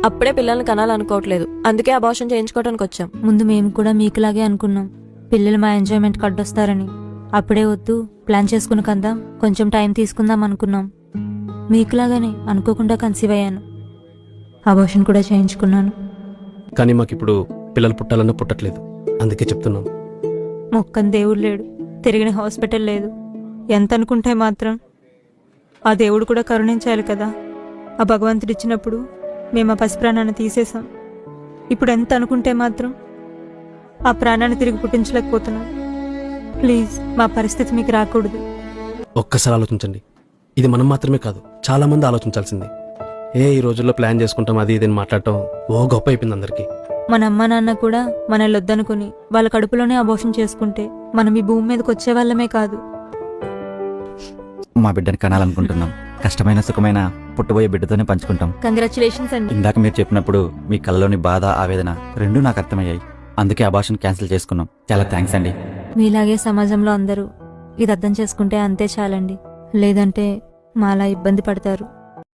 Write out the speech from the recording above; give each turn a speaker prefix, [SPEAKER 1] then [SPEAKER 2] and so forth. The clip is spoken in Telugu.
[SPEAKER 1] అప్పుడే పిల్లల్ని కనాలనుకోవట్లేదు, అందుకే అబార్షన్ చేయించుకోవడానికి వచ్చాం.
[SPEAKER 2] ముందు మేము కూడా మీకులాగే అనుకున్నాం, పిల్లలు మా ఎంజాయ్మెంట్ కడ్డొస్తారని. అప్పుడే వద్దు, ప్లాన్ చేసుకుని కందాం, కొంచెం టైం తీసుకుందాం అనుకున్నాం. మీకులాగానే అనుకోకుండా కన్సీవ్ అయ్యాను, అబార్షన్ కూడా చేయించుకున్నాను.
[SPEAKER 3] కానీ మాకిప్పుడు పిల్లలు పుట్టాలన్నా పుట్టట్లేదు, అందుకే చెప్తున్నాం.
[SPEAKER 2] మొక్కని దేవుడు లేడు, తిరిగిన హాస్పిటల్ లేదు. ఎంత అనుకుంటే మాత్రం ఆ దేవుడు కూడా కరుణించాలి కదా. ఆ భగవంతుడు ఇచ్చినప్పుడు మేము ఆ పసి ప్రాణాన్ని తీసేసాం. ఇప్పుడు ఎంత అనుకుంటే మాత్రం ఆ ప్రాణాన్ని తిరిగి పుట్టించలేకపోతున్నాం. ప్లీజ్ మా పరిస్థితి మీకు రాకూడదు.
[SPEAKER 3] ఒక్కసారి ఆలోచించండి, ఇది మనం మాత్రమే కాదు, చాలా మంది ఆలోచించాల్సింది. ఈ రోజుల్లో ప్లాన్ చేసుకుంటాం అది ఇదని మాట్లాడటం ఓ గొప్ప అయిపోయింది అందరికీ.
[SPEAKER 2] మన అమ్మ నాన్న కూడా మనల్ని వద్దనుకుని వాళ్ళ కడుపులోనే అబార్షన్ చేసుకుంటే మనం ఈ భూమి మీదకి వచ్చేవాళ్ళమే కాదు.
[SPEAKER 4] మా బిడ్డని కనాలనుకుంటున్నాం. కష్టమైన సుఖమైన పుట్టబోయే బిడ్డతోనే పంచుకుంటాం.
[SPEAKER 2] కంగ్రాచులేషన్స్ అండి.
[SPEAKER 4] ఇందాక మీరు చెప్పినప్పుడు మీ కళ్ళలోని బాధ ఆవేదన రెండూ నాకు అర్థమయ్యాయి. అందుకే అబార్షన్ క్యాన్సిల్ చేసుకున్నాం. చాలా థ్యాంక్స్ అండి.
[SPEAKER 2] మీలాగే సమాజంలో అందరూ ఇది అర్థం చేసుకుంటే అంతే చాలండి, లేదంటే మాలా ఇబ్బంది పడతారు.